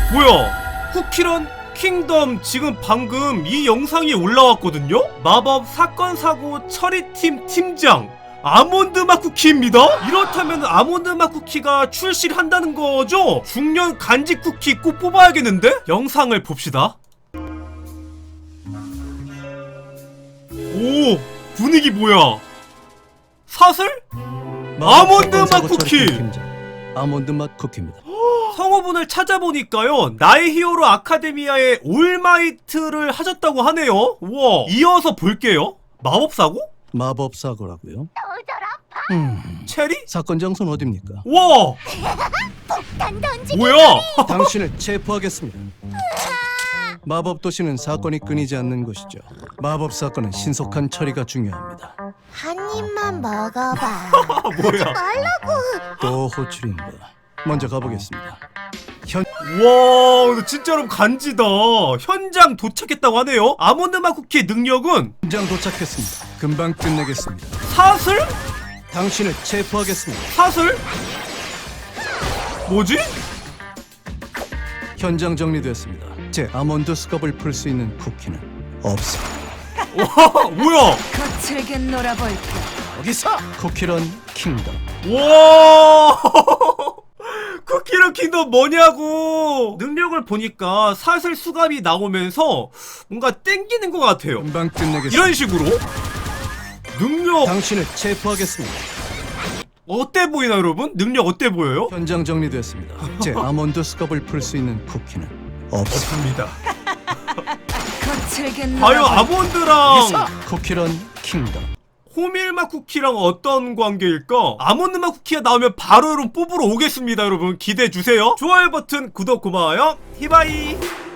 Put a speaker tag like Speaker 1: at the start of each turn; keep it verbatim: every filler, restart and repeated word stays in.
Speaker 1: 뭐야? 쿠키런 킹덤 지금 방금 이 영상이 올라왔거든요? 마법 사건 사고 처리팀 팀장 아몬드 맛 쿠키입니다? 이렇다면 아몬드 맛 쿠키가 출시를 한다는 거죠? 중년 간식 쿠키 꼭 뽑아야겠는데? 영상을 봅시다. 오, 분위기 뭐야? 사슬? 아몬드 맛 쿠키!
Speaker 2: 아몬드 맛 쿠키입니다.
Speaker 1: 성우분을 찾아보니까요, 나의 히어로 아카데미아의 올마이트를 하셨다고 하네요. 우와, 이어서 볼게요. 마법사고?
Speaker 2: 마법사고라고요? 음,
Speaker 1: 체리?
Speaker 2: 사건 장소는 어딥니까?
Speaker 1: 우와!
Speaker 3: 폭탄 던지기.
Speaker 1: 뭐야?
Speaker 2: 당신을 체포하겠습니다. 마법 도시는 사건이 끊이지 않는 곳이죠. 마법 사건은 신속한 처리가 중요합니다.
Speaker 3: 한 입만 먹어봐.
Speaker 1: 아, 뭐야?
Speaker 3: 말라고.
Speaker 2: 또 호출인가? 먼저 가보겠습니다. 현
Speaker 1: 와, 근데 진짜 여러분 간지다. 현장 도착했다고 하네요. 아몬드 맛 쿠키의 능력은
Speaker 2: 현장 도착했습니다. 금방 끝내겠습니다.
Speaker 1: 사슬?
Speaker 2: 당신을 체포하겠습니다.
Speaker 1: 사슬? 뭐지?
Speaker 2: 현장 정리됐습니다. 제 아몬드 스컵을 풀 수 있는 쿠키는 없습니다.
Speaker 1: 와, 뭐야?
Speaker 4: 거칠게 놀아볼까.
Speaker 2: 여기서 쿠키런 킹덤.
Speaker 1: 와 쿠키런 킹덤 뭐냐고. 능력을 보니까 사슬 수갑이 나오면서 뭔가 땡기는 것 같아요.
Speaker 2: 금방 끝내겠습니다.
Speaker 1: 이런 식으로 능력
Speaker 2: 당신을 체포하겠습니다.
Speaker 1: 어때 보이나 여러분? 능력 어때 보여요?
Speaker 2: 현장 정리됐습니다. 제 아몬드 스컵을 풀 수 있는 쿠키는 없습니다.
Speaker 1: 없습니다.
Speaker 4: 거칠게
Speaker 1: 과연
Speaker 4: 놀아볼까.
Speaker 1: 아몬드랑
Speaker 2: 쿠키런 킹덤.
Speaker 1: 호밀맛 쿠키랑 어떤 관계일까? 아몬드맛 쿠키가 나오면 바로 여러분 뽑으러 오겠습니다. 여러분 기대해주세요. 좋아요 버튼 구독 고마워요. 히바이.